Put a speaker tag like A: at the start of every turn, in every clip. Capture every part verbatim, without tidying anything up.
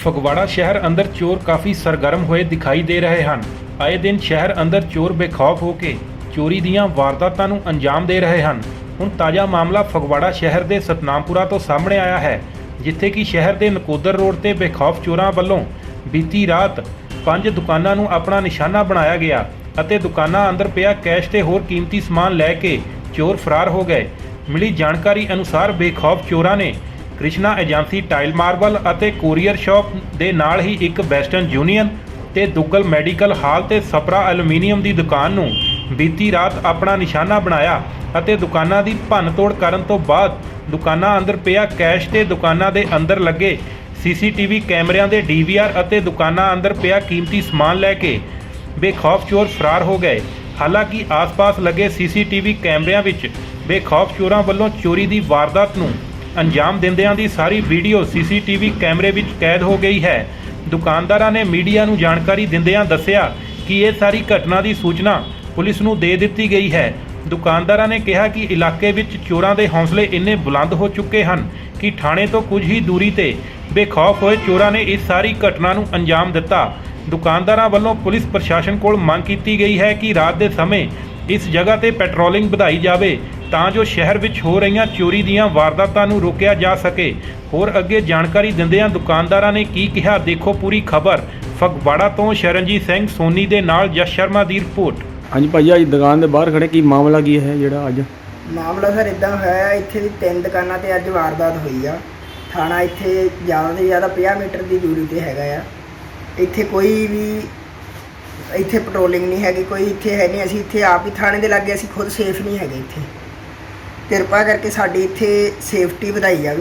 A: ਫਗਵਾੜਾ ਸ਼ਹਿਰ ਅੰਦਰ ਚੋਰ ਕਾਫੀ ਸਰਗਰਮ ਹੋਏ ਦਿਖਾਈ ਦੇ ਰਹੇ ਹਨ। ਆਏ ਦਿਨ ਸ਼ਹਿਰ ਅੰਦਰ ਚੋਰ ਬੇਖੌਫ ਹੋ ਕੇ ਚੋਰੀ ਦੀਆਂ ਵਾਰਦਾਤਾਂ ਨੂੰ ਅੰਜਾਮ ਦੇ ਰਹੇ ਹਨ। ਹੁਣ ਤਾਜ਼ਾ ਮਾਮਲਾ ਫਗਵਾੜਾ ਸ਼ਹਿਰ ਦੇ ਸਤਨਾਮਪੁਰਾ ਤੋਂ ਸਾਹਮਣੇ ਆਇਆ ਹੈ, ਜਿੱਥੇ ਕਿ ਸ਼ਹਿਰ ਦੇ ਨਕੋਦਰ ਰੋਡ ਤੇ ਬੇਖੌਫ ਚੋਰਾਂ ਵੱਲੋਂ ਬੀਤੀ ਰਾਤ ਪੰਜ ਦੁਕਾਨਾਂ ਨੂੰ ਆਪਣਾ ਨਿਸ਼ਾਨਾ ਬਣਾਇਆ ਗਿਆ ਅਤੇ ਦੁਕਾਨਾਂ ਅੰਦਰ ਪਿਆ ਕੈਸ਼ ਤੇ ਹੋਰ ਕੀਮਤੀ ਸਮਾਨ ਲੈ ਕੇ ਚੋਰ ਫਰਾਰ ਹੋ ਗਏ। ਮਿਲੀ ਜਾਣਕਾਰੀ ਅਨੁਸਾਰ ਬੇਖੌਫ ਚੋਰਾਂ ਨੇ ਕ੍ਰਿਸ਼ਨਾ ਏਜੰਸੀ ਟਾਈਲ ਮਾਰਬਲ ਅਤੇ ਕੋਰੀਅਰ ਸ਼ਾਪ ਦੇ ਨਾਲ ਹੀ ਇੱਕ ਵੈਸਟਰਨ ਯੂਨੀਅਨ ਤੇ ਦੁੱਗਲ ਮੈਡੀਕਲ ਹਾਲ ਤੇ ਸਪਰਾ ਐਲੂਮੀਨੀਅਮ ਦੀ ਦੁਕਾਨ ਨੂੰ ਬੀਤੀ ਰਾਤ ਆਪਣਾ ਨਿਸ਼ਾਨਾ ਬਣਾਇਆ ਅਤੇ ਦੁਕਾਨਾਂ ਦੀ ਭੰਨ-ਤੋੜ ਕਰਨ ਤੋਂ ਬਾਅਦ ਦੁਕਾਨਾਂ ਅੰਦਰ ਪਿਆ ਕੈਸ਼ ਤੇ ਦੁਕਾਨਾਂ ਦੇ ਅੰਦਰ ਲੱਗੇ ਸੀਸੀਟੀਵੀ ਕੈਮਰਿਆਂ ਦੇ ਡੀਵੀਆਰ ਅਤੇ ਦੁਕਾਨਾਂ ਅੰਦਰ ਪਿਆ ਕੀਮਤੀ ਸਮਾਨ ਲੈ ਕੇ ਬੇਖੌਫ ਚੋਰ ਫਰਾਰ ਹੋ ਗਏ। ਹਾਲਾਂਕਿ ਆਸ-ਪਾਸ ਲੱਗੇ ਸੀਸੀਟੀਵੀ ਕੈਮਰਿਆਂ ਵਿੱਚ ਬੇਖੌਫ ਚੋਰਾਂ ਵੱਲੋਂ ਚੋਰੀ ਦੀ ਵਾਰਦਾਤ ਨੂੰ ਅੰਜਾਮ ਦਿੰਦਿਆਂ ਦੀ ਸਾਰੀ ਵੀਡੀਓ ਸੀਸੀਟੀਵੀ ਕੈਮਰੇ ਵਿੱਚ ਕੈਦ ਹੋ ਗਈ ਹੈ। ਦੁਕਾਨਦਾਰਾਂ ਨੇ ਮੀਡੀਆ ਨੂੰ ਜਾਣਕਾਰੀ ਦਿੰਦਿਆਂ ਦੱਸਿਆ ਕਿ ਇਹ ਸਾਰੀ ਘਟਨਾ ਦੀ ਸੂਚਨਾ ਪੁਲਿਸ ਨੂੰ ਦੇ ਦਿੱਤੀ ਗਈ ਹੈ। ਦੁਕਾਨਦਾਰਾਂ ਨੇ ਕਿਹਾ ਕਿ ਇਲਾਕੇ ਵਿੱਚ ਚੋਰਾਂ ਦੇ ਹੌਸਲੇ ਇੰਨੇ ਬੁਲੰਦ ਹੋ ਚੁੱਕੇ ਹਨ ਕਿ ਥਾਣੇ ਤੋਂ ਕੁਝ ਹੀ ਦੂਰੀ ਤੇ ਬੇਖੌਫ ਹੋਏ ਚੋਰਾਂ ਨੇ ਇਸ ਸਾਰੀ ਘਟਨਾ ਨੂੰ ਅੰਜਾਮ ਦਿੱਤਾ। ਦੁਕਾਨਦਾਰਾਂ ਵੱਲੋਂ ਪੁਲਿਸ ਪ੍ਰਸ਼ਾਸਨ ਕੋਲ ਮੰਗ ਕੀਤੀ ਗਈ ਹੈ ਕਿ ਰਾਤ ਦੇ ਸਮੇਂ ਇਸ ਜਗ੍ਹਾ ਤੇ ਪੈਟਰੋਲਿੰਗ ਵਧਾਈ ਜਾਵੇ ਤਾਂ ਜੋ ਸ਼ਹਿਰ ਵਿੱਚ ਹੋ ਰਹੀਆਂ ਚੋਰੀ ਦੀਆਂ ਵਾਰਦਾਤਾਂ ਨੂੰ ਰੋਕਿਆ ਜਾ ਸਕੇ। ਹੋਰ ਅੱਗੇ ਜਾਣਕਾਰੀ ਦਿੰਦਿਆਂ ਦੁਕਾਨਦਾਰਾਂ ਨੇ ਕੀ ਕਿਹਾ, ਦੇਖੋ ਪੂਰੀ ਖਬਰ। ਫਗਵਾੜਾ ਤੋਂ ਸ਼ਰਨਜੀਤ ਸਿੰਘ ਸੋਨੀ ਦੇ ਨਾਲ ਜਸ ਸ਼ਰਮਾ ਦੀ ਰਿਪੋਰਟ।
B: ਹਾਂਜੀ ਭਾਈ, ਅੱਜ ਦੁਕਾਨ ਦੇ ਬਾਹਰ ਖੜੇ, ਕੀ ਮਾਮਲਾ ਕੀ ਹੈ ਜਿਹੜਾ ਅੱਜ?
C: ਮਾਮਲਾ ਸਰ ਇਦਾਂ ਹੋਇਆ, ਇੱਥੇ ਦੀ ਤਿੰਨ ਦੁਕਾਨਾਂ ਤੇ ਅੱਜ ਵਾਰਦਾਤ ਹੋਈ ਆ। ਥਾਣਾ ਇੱਥੇ ਜ਼ਿਆਦਾ ਤੋਂ ਜ਼ਿਆਦਾ ਪੰਜਾਹ ਮੀਟਰ ਦੀ ਦੂਰੀ ਤੇ ਹੈਗਾ ਆ। ਇੱਥੇ ਕੋਈ ਵੀ ਇੱਥੇ ਪੈਟਰੋਲਿੰਗ ਨਹੀਂ ਹੈਗੀ, ਕੋਈ ਇੱਥੇ ਹੈ ਨਹੀਂ। ਅਸੀਂ ਇੱਥੇ ਆਪ ਹੀ ਥਾਣੇ ਦੇ ਲਾਗੇ, ਅਸੀਂ ਖੁਦ ਸੇਫ ਨਹੀਂ ਹੈਗੇ ਇੱਥੇ। ਕਿਰਪਾ ਕਰਕੇ ਸਾਡੀ ਇੱਥੇ ਸੇਫਟੀ ਵਧਾਈ ਜਾਵੇ।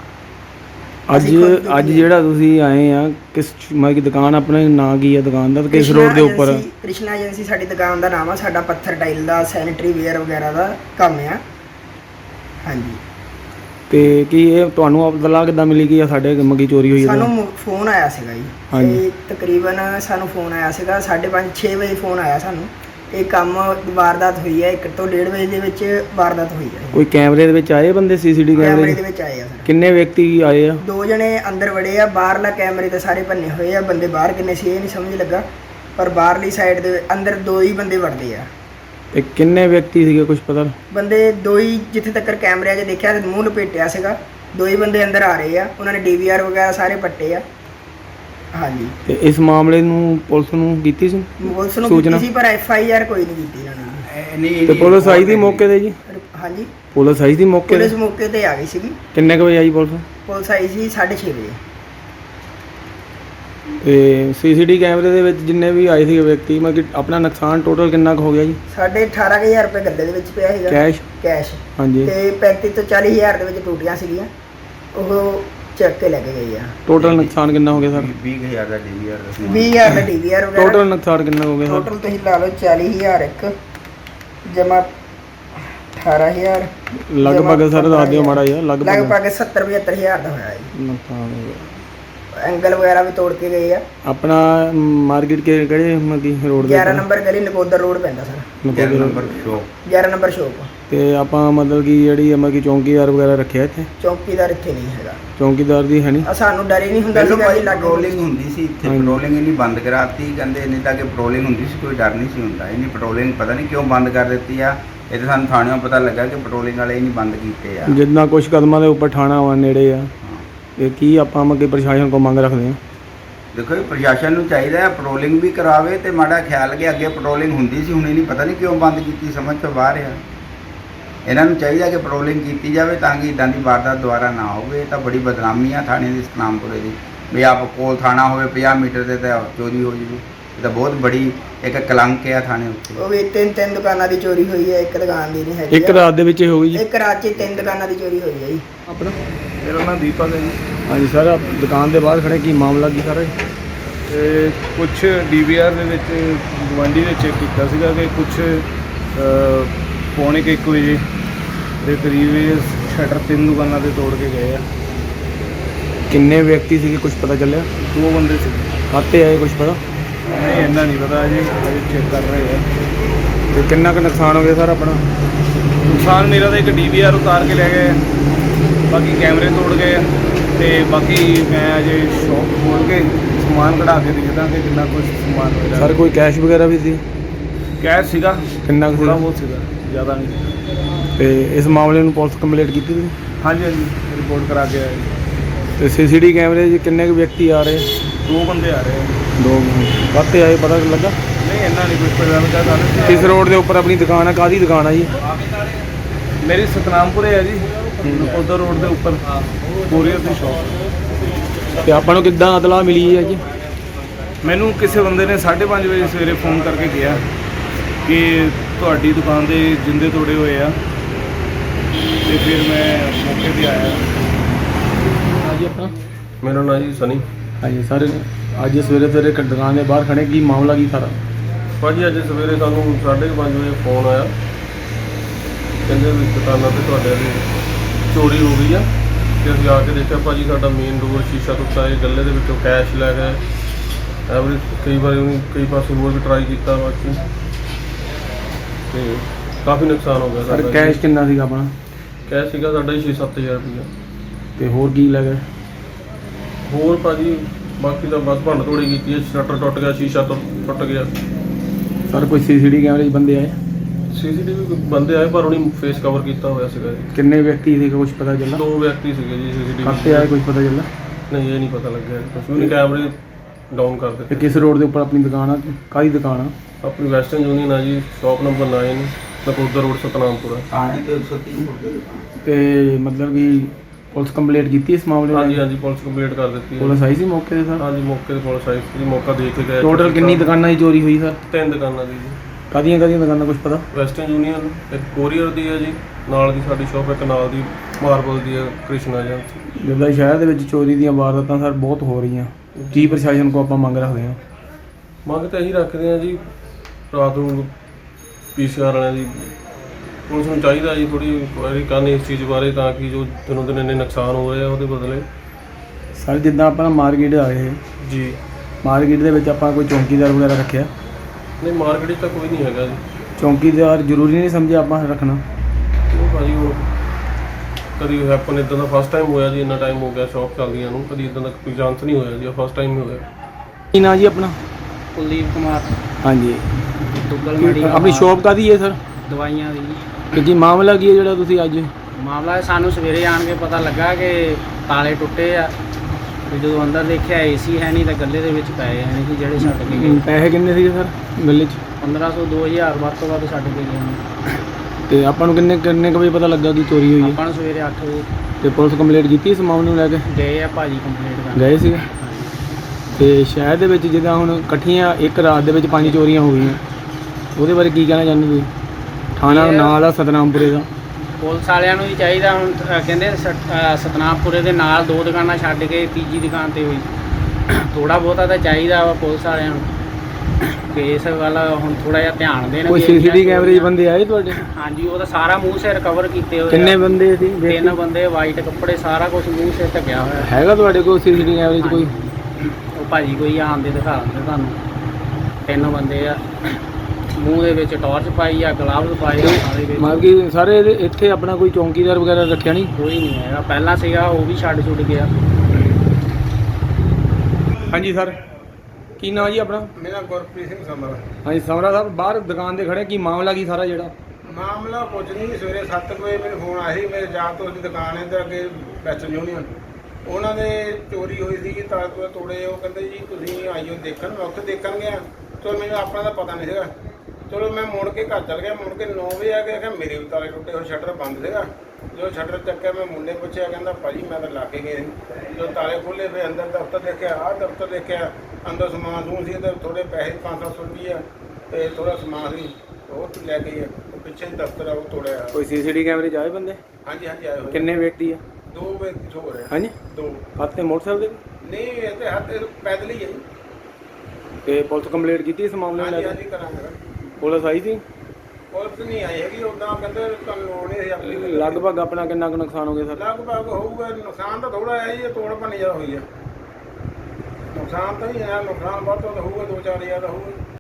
B: ਅੱਜ ਅੱਜ ਜਿਹੜਾ ਤੁਸੀਂ ਆਏ ਆ, ਕਿਸ ਮਤਲਬ ਕਿ ਦੁਕਾਨ ਆਪਣੇ ਨਾਂ ਕੀ ਹੈ ਦੁਕਾਨ ਦਾ, ਕਿਸ ਰੋਡ ਦੇ ਉੱਪਰ?
C: ਕ੍ਰਿਸ਼ਨਾ ਏਜੰਸੀ ਸਾਡੀ ਦੁਕਾਨ ਦਾ ਨਾਮ ਆ। ਸਾਡਾ ਪੱਥਰ ਟਾਈਲ ਦਾ, ਸੈਨੀਟਰੀ ਵੇਅਰ ਵਗੈਰਾ ਦਾ ਕੰਮ ਆ। ਹਾਂਜੀ।
B: ਤੇ ਕੀ ਇਹ ਤੁਹਾਨੂੰ ਇਤਲਾਹ ਕਿੱਦਾਂ ਮਿਲੀ ਕਿ ਸਾਡੇ ਮੱਗੀ ਚੋਰੀ ਹੋਈ ਹੈ?
C: ਸਾਨੂੰ ਫੋਨ ਆਇਆ ਸੀਗਾ ਜੀ।
B: ਹਾਂਜੀ।
C: ਤਕਰੀਬਨ ਸਾਨੂੰ ਫੋਨ ਆਇਆ ਸੀਗਾ ਸਾਢੇ ਪੰਜ ਛੇ ਵਜੇ ਫੋਨ ਆਇਆ ਸਾਨੂੰ। ਇਹ ਕੰਮ ਵਾਰਦਾਤ ਹੋਈ ਹੈ, ਇੱਕ ਤੋਂ ਡੇਢ ਵਜੇ ਦੇ ਵਿੱਚ ਵਾਰਦਾਤ ਹੋਈ ਹੈ।
B: ਕੋਈ ਕੈਮਰੇ ਦੇ ਵਿੱਚ ਆਏ ਬੰਦੇ? ਸੀਸੀਟੀਵੀ
C: ਕੈਮਰੇ ਦੇ ਵਿੱਚ ਆਏ ਆ ਸਰ।
B: ਕਿੰਨੇ ਵਿਅਕਤੀ ਆਏ ਆ?
C: ਦੋ ਜਣੇ ਅੰਦਰ ਵੜੇ ਆ। ਬਾਹਰਲਾ ਕੈਮਰੇ ਤੇ ਸਾਰੇ ਭੰਨੇ ਹੋਏ ਆ। ਬੰਦੇ ਬਾਹਰ ਕਿੰਨੇ ਸੀ ਇਹ ਨਹੀਂ ਸਮਝ ਲੱਗਾ, ਪਰ ਬਾਹਰਲੀ ਸਾਈਡ ਦੇ ਅੰਦਰ ਦੋ ਹੀ ਬੰਦੇ ਵੜਦੇ ਆ।
B: ਤੇ ਕਿੰਨੇ ਵਿਅਕਤੀ ਸੀਗੇ, ਕੁਝ ਪਤਾ?
C: ਬੰਦੇ ਦੋ ਹੀ, ਜਿੱਥੇ ਤੱਕ ਕੈਮਰਿਆਂ 'ਚ ਦੇਖਿਆ ਮੂੰਹ ਲਪੇਟਿਆ ਸੀਗਾ। ਦੋ ਹੀ ਬੰਦੇ ਅੰਦਰ ਆ ਰਹੇ ਆ। ਉਹਨਾਂ ਨੇ ਡੀਵੀਆਰ ਵਗੈਰਾ ਸਾਰੇ ਪੱਟੇ ਆ। ਹਾਂਜੀ। ਤੇ
B: ਇਸ ਮਾਮਲੇ ਨੂੰ ਪੁਲਿਸ ਨੂੰ ਕੀਤੀ ਸੀ
C: ਪੁਲਿਸ ਨੂੰ ਕੀਤੀ ਸੀ, ਪਰ ਐਫ ਆਈ ਆਰ ਕੋਈ ਨਹੀਂ ਕੀਤੀ ਇਹਨਾਂ ਨੇ।
B: ਤੇ ਪੁਲਿਸ ਆਈ ਸੀ ਮੌਕੇ ਤੇ ਜੀ?
C: ਹਾਂਜੀ,
B: ਪੁਲਿਸ ਆਈ ਸੀ ਮੌਕੇ ਤੇ?
C: ਪੁਲਿਸ ਮੌਕੇ ਤੇ ਆ ਗਈ ਸੀਗੀ।
B: ਕਿੰਨੇ ਕੁ ਵਜੇ ਆਈ ਪੁਲਿਸ?
C: ਪੁਲਿਸ ਆਈ ਸੀ ਸਾਢੇ ਛੇ ਵਜੇ।
B: ਤੇ ਸੀਸੀਟੀ ਕੈਮਰੇ ਦੇ ਵਿੱਚ ਜਿੰਨੇ ਵੀ ਆਏ ਸੀਗੇ ਵਿਅਕਤੀ, ਮਤਲਬ ਕਿ ਆਪਣਾ ਨੁਕਸਾਨ ਟੋਟਲ ਕਿੰਨਾ ਕੁ ਹੋ ਗਿਆ ਜੀ?
C: ਸਾਢੇ ਅਠਾਰਾਂ ਕੁ ਹਜ਼ਾਰ ਰੁਪਏ ਗੱਲੇ ਦੇ ਵਿੱਚ ਪਿਆ ਸੀਗਾ
B: ਕੈਸ਼।
C: ਕੈਸ਼
B: ਹਾਂਜੀ।
C: ਤੇ ਪੈਂਤੀ ਤੋਂ ਚਾਲੀ ਹਜ਼ਾਰ ਦੇ ਵਿੱਚ ਟੂਟੀਆਂ ਸੀਗੀਆਂ, ਉਹ ਚੱਕ ਕੇ ਲੈ ਕੇ ਗਏ ਆ।
B: ਟੋਟਲ ਨੁਕਸਾਨ ਕਿੰਨਾ ਹੋ ਗਿਆ ਸਰ?
D: ਵੀਹ ਹਜ਼ਾਰ ਦਾ ਡੀਵੀਆਰ
C: ਵੀਹ ਹਜ਼ਾਰ ਦਾ ਡੀਵੀਆਰ ਵਗੈਰਾ।
B: ਟੋਟਲ ਨੁਕਸਾਨ ਕਿੰਨਾ ਹੋ ਗਿਆ ਸਰ?
C: ਟੋਟਲ ਤੁਸੀਂ ਲਾ ਲਓ ਚਾਲੀ ਹਜ਼ਾਰ ਇੱਕ ਜਮਾ ਅਠਾਰਾਂ ਹਜ਼ਾਰ
B: ਲਗਭਗ ਸਰ ਦੱਸ ਦਿਓ ਮਾੜਾ ਜਿਹਾ। ਲਗਭਗ
C: ਲਗਭਗ ਸੱਤਰ ਪਝੱਤਰ ਹਜ਼ਾਰ ਦਾ ਹੋਇਆ ਜੀ
B: ਨੁਕਸਾਨ ਹੋ ਗਿਆ।
C: ਐਂਗਲ ਵਗੈਰਾ ਵੀ ਤੋੜ ਕੇ ਗਏ ਆ।
B: ਆਪਣਾ ਮਾਰਕੀਟ ਕੇ ਕਿਹੜੇ ਮਤਲਬ ਰੋਡ ਦੇ?
C: ਗਿਆਰਾਂ ਨੰਬਰ ਗਲੀ ਨਕੋਦਰ ਰੋਡ ਪੈਂਦਾ ਸਰ।
D: ਗਿਆਰਾਂ ਨੰਬਰ ਸ਼ੋਪ।
C: ਗਿਆਰਾਂ ਨੰਬਰ ਸ਼ੋਪ।
B: ਤੇ ਆਪਾਂ ਮਤਲਬ ਕਿ ਜਿਹੜੀ ਮਤਲਬ ਕਿ ਚੌਂਕੀਦਾਰ ਵਗੈਰਾ ਰੱਖਿਆ ਇੱਥੇ?
C: ਚੌਕੀਦਾਰ ਇੱਥੇ ਨਹੀਂ ਹੈਗਾ।
B: ਚੌਂਕੀਦਾਰ ਦੀ ਹੈ ਨਹੀਂ?
C: ਆ ਸਾਨੂੰ ਡਰ ਹੀ ਨਹੀਂ ਹੁੰਦਾ ਸੀ।
D: ਪੈਟਰੋਲਿੰਗ ਹੁੰਦੀ ਸੀ ਇੱਥੇ, ਪੈਟਰੋਲਿੰਗ ਇਹਨੀ ਬੰਦ ਕਰਾਤੀ। ਕਹਿੰਦੇ ਇੰਨੀ ਤਾਂ ਕਿ ਪੈਟਰੋਲਿੰਗ ਹੁੰਦੀ ਸੀ, ਕੋਈ ਡਰ ਨਹੀਂ ਸੀ ਹੁੰਦਾ। ਇਹਨੀ ਪੈਟਰੋਲਿੰਗ ਪਤਾ ਨਹੀਂ ਕਿਉਂ ਬੰਦ ਕਰ ਦਿੱਤੀ ਆ। ਇਹ ਤਾਂ ਸਾਨੂੰ ਥਾਣਿਓਂ ਪਤਾ ਲੱਗਾ ਕਿ ਪੈਟਰੋਲਿੰਗ ਵਾਲੇ ਨਹੀਂ ਬੰਦ ਕੀਤੇ ਆ।
B: ਜਿੱਦਾਂ ਕੁਝ ਕਦਮਾਂ ਦੇ ਉੱਪਰ ਥਾਣਾ ਵਾ ਨੇੜੇ ਆ, ਤੇ ਕੀ ਆਪਾਂ ਮੱਗੇ ਪ੍ਰਸ਼ਾਸਨ ਕੋਲ ਮੰਗ ਰੱਖਦੇ ਹਾਂ?
D: ਦੇਖੋ ਜੀ, ਪ੍ਰਸ਼ਾਸਨ ਨੂੰ ਚਾਹੀਦਾ ਹੈ ਪੈਟਰੋਲਿੰਗ ਵੀ ਕਰਾਵੇ ਤੇ ਮਾੜਾ ਖਿਆਲ ਕਿ ਅੱਗੇ ਪੈਟਰੋਲਿੰਗ ਹੁੰਦੀ ਸੀ, ਹੁਣ ਇਹ ਨਹੀਂ ਪਤਾ ਨਹੀਂ ਕਿਉਂ ਬੰਦ ਕੀਤੀ, ਸਮਝ ਤੋਂ ਬਾਹਰ ਆ। ਇਹਨਾਂ ਨੂੰ ਚਾਹੀਦਾ ਕਿ ਪੈਟਰੋਲਿੰਗ ਕੀਤੀ ਜਾਵੇ ਤਾਂ ਕਿ ਇਦਾਂ ਦੀ ਵਾਰਦਾਤ ਦੁਬਾਰਾ ਨਾ ਹੋਵੇ। ਤਾਂ ਬੜੀ ਬਦਨਾਮੀ ਆ ਥਾਣੇ ਦੀ ਸਤਨਾਮਪੁਰੇ ਦੀ, ਵੀ ਆਪ ਕੋਲ ਥਾਣਾ ਹੋਵੇ ਪੰਜਾਹ ਮੀਟਰ ਤੇ ਤਾਂ ਚੋਰੀ ਹੋ ਜਾਵੇ। ਇਹ ਤਾਂ ਬਹੁਤ ਬੜੀ ਇੱਕ ਕਲੰਕ ਆ ਥਾਣੇ ਉੱਤੇ।
C: ਉਹ ਵੀ ਤਿੰਨ ਤਿੰਨ ਦੁਕਾਨਾਂ ਦੀ ਚੋਰੀ ਹੋਈ ਹੈ, ਇੱਕ ਦੁਕਾਨ ਦੀ ਨਹੀਂ ਹੈਗੀ।
B: ਇੱਕ ਰਾਤ ਦੇ ਵਿੱਚ ਹੀ ਹੋ ਗਈ ਜੀ?
C: ਇੱਕ ਰਾਤ 'ਚ ਤਿੰਨ ਦੁਕਾਨਾਂ ਦੀ ਚੋਰੀ ਹੋਈ ਹੈ ਜੀ।
B: ਆਪਣਾ
E: ਮੇਰਾ ਨਾਮ ਦੀਪਕ ਹੈ ਜੀ।
B: ਹਾਂਜੀ ਸਰ, ਆਪ ਦੁਕਾਨ ਦੇ ਬਾਹਰ ਖੜੇ, ਕੀ ਮਾਮਲਾ ਕੀ ਸਾਰਾ?
E: ਤੇ ਕੁਝ ਡੀਵੀਆਰ ਦੇ ਵਿੱਚ ਗਵਾਂਢੀ ਨੇ ਚੈੱਕ ਕੀਤਾ ਸੀਗਾ ਕਿ ਕੁਝ ਪੌਣੇ ਕੁ ਇੱਕ ਵਜੇ ਦੇ ਕਰੀਬ ਇਹ ਸ਼ਟਰ ਤਿੰਨ ਦੁਕਾਨਾਂ ਤੇ ਤੋੜ ਕੇ ਗਏ ਆ।
B: ਕਿੰਨੇ ਵਿਅਕਤੀ ਸੀਗੇ, ਕੁਝ ਪਤਾ ਚੱਲਿਆ?
E: ਦੋ ਬੰਦੇ ਸੀ।
B: ਖਾਤੇ ਆਏ, ਕੁਝ ਪਤਾ?
E: ਨਹੀਂ, ਇੰਨਾ ਨਹੀਂ ਪਤਾ ਜੀ, ਚੈੱਕ ਕਰ ਰਹੇ ਆ।
B: ਤੇ ਕਿੰਨਾ ਕੁ ਨੁਕਸਾਨ ਹੋ ਗਿਆ ਸਰ ਆਪਣਾ?
E: ਨੁਕਸਾਨ ਮੇਰਾ ਤਾਂ ਇੱਕ ਡੀਵੀਆਰ ਉਤਾਰ ਕੇ ਲੈ ਗਏ, ਬਾਕੀ ਕੈਮਰੇ ਤੋੜ ਗਏ ਆ। ਤੇ ਬਾਕੀ ਮੈਂ ਅਜੇ ਸ਼ੌਪ ਖੋਲ ਕੇ ਸਮਾਨ ਕਢਾ ਕੇ ਦੇਖਦਾ ਕਿ ਕਿੰਨਾ ਕੁਝ ਸਮਾਨ ਹੋਇਆ।
B: ਸਰ ਕੋਈ ਕੈਸ਼ ਵਗੈਰਾ ਵੀ ਸੀ?
E: ਕੈਸ਼ ਸੀਗਾ,
B: ਕਿੰਨਾ ਕੁ
E: ਥੋੜਾ
B: ਸੀਗਾ?
E: ਬਹੁਤ ਸੀਗਾ, ਜ਼ਿਆਦਾ ਨਹੀਂ।
B: ਤੇ ਇਸ ਮਾਮਲੇ ਨੂੰ ਪੁਲਿਸ ਕੰਪਲੇਂਟ ਕੀਤੀ ਤੁਸੀਂ?
E: ਹਾਂਜੀ ਹਾਂਜੀ ਰਿਪੋਰਟ ਕਰਾ ਕੇ ਆਏ।
B: ਤੇ ਸੀਸੀਟੀ ਕੈਮਰੇ 'ਚ ਕਿੰਨੇ ਕੁ ਵਿਅਕਤੀ ਆ ਰਹੇ?
E: ਦੋ ਬੰਦੇ ਆ ਰਹੇ ਆ।
B: ਦੋ ਕਾਹਤੇ ਆਏ ਪਤਾ ਲੱਗਾ?
E: ਨਹੀਂ ਇੰਨਾ ਨਹੀਂ ਕੁਝ ਪਤਾ ਲੱਗਾ ਸਾਨੂੰ।
B: ਕਿਸ ਰੋਡ ਦੇ ਉੱਪਰ ਆਪਣੀ ਦੁਕਾਨ ਹੈ? ਕਾਹਦੀ ਦੁਕਾਨ ਹੈ ਜੀ?
E: ਮੇਰੀ ਸਤਨਾਮਪੁਰੇ ਹੈ ਜੀ, ਉਧਰ ਰੋਡ ਦੇ ਉੱਪਰ ਕੋਰੀਅਰ ਦੀ ਸ਼ੌਪ।
B: ਤੇ ਆਪਾਂ ਨੂੰ ਕਿੱਦਾਂ ਇਤਲਾਹ ਮਿਲੀ ਹੈ ਜੀ?
E: ਮੈਨੂੰ ਕਿਸੇ ਬੰਦੇ ਨੇ ਸਾਢੇ ਪੰਜ ਵਜੇ ਸਵੇਰੇ ਫੋਨ ਕਰਕੇ ਕਿਹਾ ਕਿ ਤੁਹਾਡੀ ਦੁਕਾਨ ਦੇ ਜਿੰਦੇ ਤੋੜੇ ਹੋਏ ਆ, ਤੇ ਫਿਰ ਮੈਂ ਮੌਕੇ 'ਤੇ ਆਇਆ।
B: ਹਾਂਜੀ ਆਪਣਾ?
F: ਮੇਰਾ ਨਾਂ ਜੀ ਸਨੀ।
B: ਹਾਂਜੀ ਸਰ, ਅੱਜ ਸਵੇਰੇ ਸਵੇਰੇ ਕ- ਦੁਕਾਨ ਦੇ ਬਾਹਰ ਖੜੇ, ਕੀ ਮਾਮਲਾ ਕੀ ਸਾਰਾ?
F: ਭਾਜੀ ਅੱਜ ਸਵੇਰੇ ਸਾਨੂੰ ਸਾਢੇ ਕੁ ਪੰਜ ਵਜੇ ਫੋਨ ਆਇਆ, ਕਹਿੰਦੇ ਵੀ ਦੁਕਾਨਾਂ ਤੇ ਤੁਹਾਡੇ ਦੀ ਚੋਰੀ ਹੋ ਗਈ ਆ। ਤੇ ਅਸੀਂ ਆ ਕੇ ਦੇਖਿਆ ਭਾਜੀ ਸਾਡਾ ਮੇਨ ਡੋਰ ਸ਼ੀਸ਼ਾ ਟੁੱਟਾ ਹੈ, ਗੱਲੇ ਦੇ ਵਿੱਚੋਂ ਕੈਸ਼ ਲੈ ਗਏ। ਐਵਰੀ ਕਈ ਵਾਰੀ ਉਹਨੂੰ ਕਈ ਪਾਸੇ ਹੋਰ ਵੀ ਟਰਾਈ ਕੀਤਾ ਬਾਕੀ, ਤੇ ਕਾਫੀ ਨੁਕਸਾਨ ਹੋ ਗਿਆ
B: ਸਰ
F: ਸਾਡਾ।
B: ਕੈਸ਼ ਕਿੰਨਾ ਸੀਗਾ ਆਪਣਾ?
F: ਕੈਸ਼ ਸੀਗਾ ਸਾਡਾ ਛੇ ਸੱਤ ਹਜ਼ਾਰ ਰੁਪਈਆ।
B: ਤੇ ਹੋਰ ਕੀ ਲੈ ਗਏ?
F: ਹੋਰ ਭਾਜੀ ਬਾਕੀ ਤਾਂ ਬਸ ਭੰਨ ਤੋੜੀ ਕੀਤੀ ਹੈ, ਸ਼ਟਰ ਟੁੱਟ ਗਿਆ, ਸ਼ੀਸ਼ਾ ਟੁੱਟ ਟੁੱਟ ਗਿਆ।
B: ਸਰ ਕੋਈ ਸੀਸੀਟੀ ਕੈਮਰੇ 'ਚ ਬੰਦੇ ਆਏ?
F: ਸੀਸੀਟੀਵੀ ਬੰਦੇ ਆਏ ਪਰ ਉਹਨੇ ਫੇਸ ਕਵਰ ਕੀਤਾ ਹੋਇਆ ਸੀਗਾ ਜੀ।
B: ਕਿੰਨੇ ਵਿਅਕਤੀ ਸੀ, ਕੁਝ ਪਤਾ ਚੱਲਾ?
F: ਦੋ ਵਿਅਕਤੀ ਸੀਗੇ ਜੀ ਸੀਸੀਟੀਵੀ।
B: ਕਾਹਤੇ ਆਏ, ਕੁਝ ਪਤਾ ਚੱਲਾ?
F: ਨਹੀਂ ਇਹ ਨਹੀਂ ਪਤਾ ਲੱਗਿਆ ਕੁਛ ਵੀ ਨਹੀਂ, ਕੈਮਰੇ ਡਾਊਨ ਕਰ
B: ਤੇ
F: ਦਿੱਤੇ।
B: ਕਿਸ ਰੋਡ ਦੇ ਉੱਪਰ ਆਪਣੀ ਦੁਕਾਨ ਆ? ਕਾਹਦੀ ਦੁਕਾਨ ਆ?
F: ਆਪਣੀ ਵੈਸਟਰਨ ਯੂਨੀਅਨ ਆ ਜੀ, ਸ਼ਾਪ ਨੰਬਰ ਨੌਂ, ਨਕੋਦਰ ਰੋਡ ਸਤਨਾਮਪੁਰਾ।
D: ਪਾਣੀ ਤੇ ਇੱਕ ਸੌ ਤੀਹ ਫੁੱਟ ਦੇ
B: ਤੇ ਮਤਲਬ ਕਿ ਪੁਲਿਸ ਕੰਪਲੇਂਟ ਕੀਤੀ ਇਸ ਮਾਮਲੇ
F: ਹਾਂਜੀ
B: ਨਾਲ?
F: ਹਾਂਜੀ ਪੁਲਿਸ ਕੰਪਲੀਟ ਕਰ ਦਿੱਤੀ ਹੈ।
B: ਪੁਲਿਸ ਆਈ ਸੀ ਮੌਕੇ ਤੇ ਸਰ?
F: ਹਾਂਜੀ ਮੌਕੇ ਤੇ ਪੁਲਿਸ ਆਈ ਸੀ, ਮੌਕਾ ਦੇਖ ਕੇ ਗਏ।
B: ਟੋਟਲ ਕਿੰਨੀ ਦੁਕਾਨਾਂ ਦੀ ਚੋਰੀ ਹੋਈ ਸਰ?
F: ਤਿੰਨ ਦੁਕਾਨਾਂ ਦੀ ਜੀ।
B: ਕਾਹਦੀਆਂ ਕਾਹਦੀਆਂ ਦੁਕਾਨਾਂ, ਕੁਝ ਪਤਾ?
F: ਵੈਸਟਰਨ ਯੂਨੀਅਨ, ਇੱਕ ਕੋਰੀਅਰ ਦੀ ਹੈ ਜੀ, ਨਾਲ ਦੀ ਸਾਡੀ ਸ਼ਾਪ, ਇੱਕ ਨਾਲ ਦੀ ਮਾਰਬਲ ਦੀ ਹੈ ਕ੍ਰਿਸ਼ਨਾ ਏਜੰਸੀ।
B: ਜਿੱਦਾਂ ਸ਼ਹਿਰ ਦੇ ਵਿੱਚ ਚੋਰੀ ਦੀਆਂ ਵਾਰਦਾਤਾਂ ਸਰ ਬਹੁਤ ਹੋ ਰਹੀਆਂ, ਕੀ ਪ੍ਰਸ਼ਾਸਨ ਕੋ ਆਪਾਂ ਮੰਗ ਰੱਖਦੇ ਹਾਂ?
F: ਮੰਗ ਤਾਂ ਇਹੀ ਰੱਖਦੇ ਹਾਂ ਜੀ, ਰਾਤ ਨੂੰ ਪੀਸੀਆਰ ਵਾਲਿਆਂ ਦੀ ਪੁਲਿਸ ਨੂੰ ਚਾਹੀਦਾ ਜੀ ਥੋੜ੍ਹੀ ਇਨਕੁਆਇਰੀ ਕਰਨੀ ਇਸ ਚੀਜ਼ ਬਾਰੇ, ਤਾਂ ਕਿ ਜੋ ਦਿਨੋਂ ਦਿਨ ਇੰਨੇ ਨੁਕਸਾਨ ਹੋ ਰਹੇ ਆ ਉਹਦੇ ਬਦਲੇ।
B: ਸਰ ਜਿੱਦਾਂ ਆਪਾਂ ਮਾਰਕੀਟ ਆਏ,
F: ਜੀ
B: ਮਾਰਕੀਟ ਦੇ ਵਿੱਚ ਆਪਾਂ ਕੋਈ ਚੌਂਕੀਦਾਰ ਵਗੈਰਾ ਰੱਖਿਆ?
F: ਨਹੀਂ ਮਾਰਕੀਟ 'ਚ ਤਾਂ ਕੋਈ ਨਹੀਂ ਹੈਗਾ ਜੀ।
B: ਚੌਂਕੀਦਾਰ ਜ਼ਰੂਰੀ ਨਹੀਂ ਸਮਝਿਆ ਆਪਾਂ ਰੱਖਣਾ?
F: ਉਹ ਭਾਜੀ ਉਹ ਕਦੀ ਹੈਪਨ ਇਦਾਂ ਦਾ ਫਸਟ ਟਾਈਮ ਹੋਇਆ ਜੀ, ਇੰਨਾ ਟਾਈਮ ਹੋ ਗਿਆ ਸ਼ੌਪ ਚੱਲਦੀਆਂ ਨੂੰ, ਕਦੀ ਇਦਾਂ ਦਾ ਕੋਈ ਚਾਂਸ ਨਹੀਂ ਹੋਇਆ ਜੀ, ਫਸਟ ਟਾਈਮ ਹੀ ਹੋਇਆ।
B: ਕੀ ਨਾਂ ਜੀ ਆਪਣਾ?
G: ਕੁਲਦੀਪ ਕੁਮਾਰ
B: ਹਾਂਜੀ,
G: ਦੁੱਗਲ
B: ਕੀ-
G: ਮੜੀ
B: ਆਪਣੀ ਸ਼ੌਪ ਕਾਹਦੀ ਹੈ ਸਰ?
G: ਦਵਾਈਆਂ ਦੀ।
B: ਕਿ ਜੀ ਮਾਮਲਾ ਕੀ ਹੈ ਜਿਹੜਾ ਤੁਸੀਂ ਅੱਜ?
G: ਮਾਮਲਾ ਸਾਨੂੰ ਸਵੇਰੇ ਆਣ ਕੇ ਪਤਾ ਲੱਗਾ ਕਿ ਤਾਲੇ ਟੁੱਟੇ ਆ, ਤੇ ਜਦੋਂ ਅੰਦਰ ਦੇਖਿਆ ਏਸੀ ਹੈ ਨਹੀਂ, ਤਾਂ ਗੱਲੇ ਦੇ ਵਿੱਚ ਪਏ ਹੈ ਨਹੀਂ ਸੀ ਜਿਹੜੇ ਛੱਡ ਕੇ ਗਏ।
B: ਪੈਸੇ ਕਿੰਨੇ ਸੀਗੇ ਸਰ ਗੱਲੇ 'ਚ?
G: ਪੰਦਰਾਂ ਸੌ ਦੋ ਹਜ਼ਾਰ ਵੱਧ ਤੋਂ ਵੱਧ ਛੱਡ ਕੇ ਗਏ ਨੇ।
B: ਤੇ ਆਪਾਂ ਨੂੰ ਕਿੰਨੇ ਕਿੰਨੇ ਕੁ ਵਜੇ ਪਤਾ ਲੱਗਾ ਕਿ ਚੋਰੀ ਹੋਈ ਹੈ?
G: ਆਪਾਂ ਨੂੰ ਸਵੇਰੇ ਅੱਠ ਵਜੇ
B: ਤੇ ਪੁਲਿਸ ਕੰਪਲੇਂਟ ਕੀਤੀ ਇਸ ਮਾਮਲੇ ਨੂੰ ਲੈ ਕੇ?
G: ਗਏ ਆ ਭਾਜੀ ਕੰਪਲੇਂਟ ਕਰਨ।
B: ਗਏ ਸੀਗੇ? ਤੇ ਸ਼ਹਿਰ ਦੇ ਵਿੱਚ ਜਿੱਦਾਂ ਹੁਣ ਇਕੱਠੀਆਂ ਇੱਕ ਰਾਤ ਦੇ ਵਿੱਚ ਪੰਜ ਚੋਰੀਆਂ ਹੋ ਗਈਆਂ, ਉਹਦੇ ਬਾਰੇ ਕੀ ਕਹਿਣਾ ਚਾਹੁੰਦੇ ਤੁਸੀਂ? ਥਾਣਾ ਨਾਲ ਆ ਸਤਨਾਮਪੁਰੇ ਦਾ।
G: ਪੁਲਿਸ ਵਾਲਿਆਂ ਨੂੰ ਵੀ ਚਾਹੀਦਾ ਹੁਣ, ਅ, ਕਹਿੰਦੇ ਸਤ- ਅ, ਸਤਨਾਮਪੁਰੇ ਦੇ ਨਾਲ ਦੋ ਦੁਕਾਨਾਂ ਛੱਡ ਕੇ ਤੀਜੀ ਦੁਕਾਨ ਤੇ ਹੋਈ। ਥੋੜਾ ਬਹੁਤਾ ਤਾਂ ਚਾਹੀਦਾ ਵਾ ਪੁਲਿਸ ਵਾਲਿਆਂ ਨੂੰ ਕਿ ਇਸ ਵੱਲ ਹੁਣ ਥੋੜਾ ਜਿਹਾ ਧਿਆਨ ਦੇਣ।
B: ਕੋਈ
G: ਵੀ
B: ਸੀਸੀਟੀ
G: ਇੰਨੀਆਂ
B: ਕੈਮਰੇ 'ਚ ਬੰਦੇ ਆਏ ਤੁਹਾਡੇ?
G: ਹਾਂਜੀ ਉਹ ਤਾਂ ਸਾਰਾ ਮੂੰਹ ਸਿਰ ਕਵਰ ਕੀਤੇ ਹੋਏ ਆ।
B: ਕਿੰਨੇ ਬੰਦੇ ਸੀ?
G: ਤਿੰਨ ਬੰਦੇ, ਵਾਈਟ ਕੱਪੜੇ, ਸਾਰਾ ਕੁਝ ਮੂੰਹ ਸਿਰ ਢੱਕਿਆ ਹੋਇਆ।
B: ਹੈਗਾ ਤੁਹਾਡੇ ਕੋਲ ਸੀਸੀਟੀ ਕੈਮਰੇ 'ਚ ਕੋਈ?
G: ਉਹ ਭਾਜੀ ਕੋਈ ਆਉਂਦੇ ਦਿਖਾ ਦਿੰਦੇ ਤੁਹਾਨੂੰ। ਤਿੰਨ ਬੰਦੇ ਆ, ਮੂੰਹ ਦੇ ਵਿੱਚ ਟਾਰਚ ਪਾਈ ਆ, ਗਲਾਵਜ਼ ਪਾਏ ਆ, ਨਾਲੇ ਵਿੱਚ
B: ਮਤਲਬ ਕਿ ਸਾਰੇ ਇਹਦੇ ਇੱਥੇ ਆਪਣਾ ਕੋਈ ਚੌਂਕੀਦਾਰ ਵਗੈਰਾ ਰੱਖਿਆ ਨਹੀਂ?
G: ਕੋਈ ਨਹੀਂ ਹੈਗਾ। ਪਹਿਲਾਂ ਸੀਗਾ ਉਹ ਵੀ ਛੱਡ ਛੁੱਟ ਗਿਆ।
B: ਹਾਂਜੀ ਸਰ, ਕੀ ਨਾਂ ਜੀ ਆਪਣਾ?
H: ਮੇਰਾ ਗੁਰਪ੍ਰੀਤ ਸਿੰਘ ਸਮਰ।
B: ਹਾਂਜੀ ਸਮਰਾ ਸਾਹਿਬ, ਬਾਹਰ ਦੁਕਾਨ ਤੇ ਖੜੇ, ਕੀ ਮਾਮਲਾ ਕੀ ਸਾਰਾ ਜਿਹੜਾ?
H: ਮਾਮਲਾ ਕੁਝ ਨਹੀਂ, ਸਵੇਰੇ ਸੱਤ ਵਜੇ ਮੈਨੂੰ ਫੋਨ ਆਇਆ ਸੀ, ਮੇਰੇ ਯਾਰ ਦੋਸਤ ਦੀ ਦੁਕਾਨ ਹੈ ਇੱਧਰ ਅੱਗੇ ਵੈਸਟਰਨ ਯੂਨੀਅਨ, ਉਹਨਾਂ ਦੇ ਚੋਰੀ ਹੋਈ ਸੀ, ਤਾਲੇ ਤੋੜੇ। ਉਹ ਕਹਿੰਦੇ ਜੀ ਤੁਸੀਂ ਆਈਓ ਦੇਖਣ। ਮੈਂ ਉੱਥੇ ਦੇਖਣ ਗਿਆ, ਚਲੋ ਮੈਨੂੰ ਆਪਣਾ ਤਾਂ ਪਤਾ ਨਹੀਂ ਸੀਗਾ। ਚਲੋ ਮੈਂ ਮੁੜ ਕੇ ਘਰ ਚਲ ਗਿਆ। ਮੁੜ ਕੇ ਨੌ ਵਜੇ ਆ ਕੇ ਕਿਹਾ ਮੇਰੇ ਵੀ ਤਾਲੇ ਟੁੱਟੇ ਹੋਏ, ਸ਼ਟਰ ਬੰਦ ਸੀਗਾ। ਜਦੋਂ ਸ਼ਟਰ ਚੱਕਿਆ ਮੈਂ ਮੁੰਡੇ ਪੁੱਛਿਆ, ਕਹਿੰਦਾ ਭਾਜੀ ਮੈਂ ਤਾਂ ਲਾ ਕੇ ਗਏ ਸੀ। ਜਦੋਂ ਤਾਲੇ ਖੋਲ੍ਹੇ ਫਿਰ ਅੰਦਰ ਦਫ਼ਤਰ ਦੇਖਿਆ, ਆਹ ਦਫ਼ਤਰ ਦੇਖਿਆ, ਅੰਦਰ ਸਮਾਨ ਸਮੂਨ ਸੀ, ਤੇ ਥੋੜ੍ਹੇ ਪੈਸੇ ਪੰਜ ਸੱਤ ਸੌ ਰੁਪਈਆ ਅਤੇ ਥੋੜ੍ਹਾ ਸਮਾਨ ਸੀ ਉਹ ਲੈ ਗਏ। ਉਹ ਪਿੱਛੇ ਦਫ਼ਤਰ ਆ ਉਹ ਤੋੜਿਆ।
B: ਕੋਈ ਸੀਸੀਟੀ ਕੈਮਰੇ 'ਚ ਆਏ ਬੰਦੇ?
H: ਹਾਂਜੀ ਹਾਂਜੀ ਆਏ ਹੋਏ।
B: ਕਿੰਨੇ ਵਿਅਕਤੀ ਆ?
H: ਦੋ ਵਿਅਕਤੀ ਹੋ ਰਹੇ।
B: ਹਾਂਜੀ,
H: ਦੋ
B: ਹੱਥ ਤੇ ਮੋਟਰਸਾਈਕਲ ਦੇ?
H: ਨਹੀਂ, ਇਹ ਤੇ ਹੱਥ ਪੈਦਲ ਹੀ ਹੈ ਜੀ।
B: ਤੇ ਪੁਲਿਸ ਕੰਪਲੇਂਟ ਕੀਤੀ ਇਸ ਮਾਮਲੇ ਨੂੰ ਲੈ
H: ਹਾਂਜੀ
B: ਕੇ?
H: ਹਾਂਜੀ ਕਰਾਂਗਾ।
B: ਪੁਲਿਸ ਆਈ ਸੀ?
H: ਪੁਲਿਸ ਨਹੀਂ ਆਈ ਹੈਗੀ, ਉੱਦਾਂ ਕਹਿੰਦੇ ਤੁਹਾਨੂੰ ਲੋੜ ਨਹੀਂ ਸੀ ਆਪਣੀ।
B: ਲਗਭਗ ਆਪਣਾ ਕਿੰਨਾ ਕੁ ਨੁਕਸਾਨ ਹੋ ਗਿਆ ਸਰ?
H: ਲਗਭਗ ਹੋਊਗਾ, ਨੁਕਸਾਨ ਤਾਂ ਥੋੜਾ ਹੈ ਜੀ, ਇਹ ਤੋੜ ਭੰਨੀ ਜ਼ਿਆਦਾ ਹੋਈ ਆ। ਨੁਕਸਾਨ ਤਾਂ ਨਹੀਂ ਹੈ, ਨੁਕਸਾਨ ਬਹੁਤ ਤਾਂ ਹੋਊਗਾ, ਦੋ ਚਾਰ ਹਜ਼ਾਰ ਦਾ ਹੋਊਗਾ।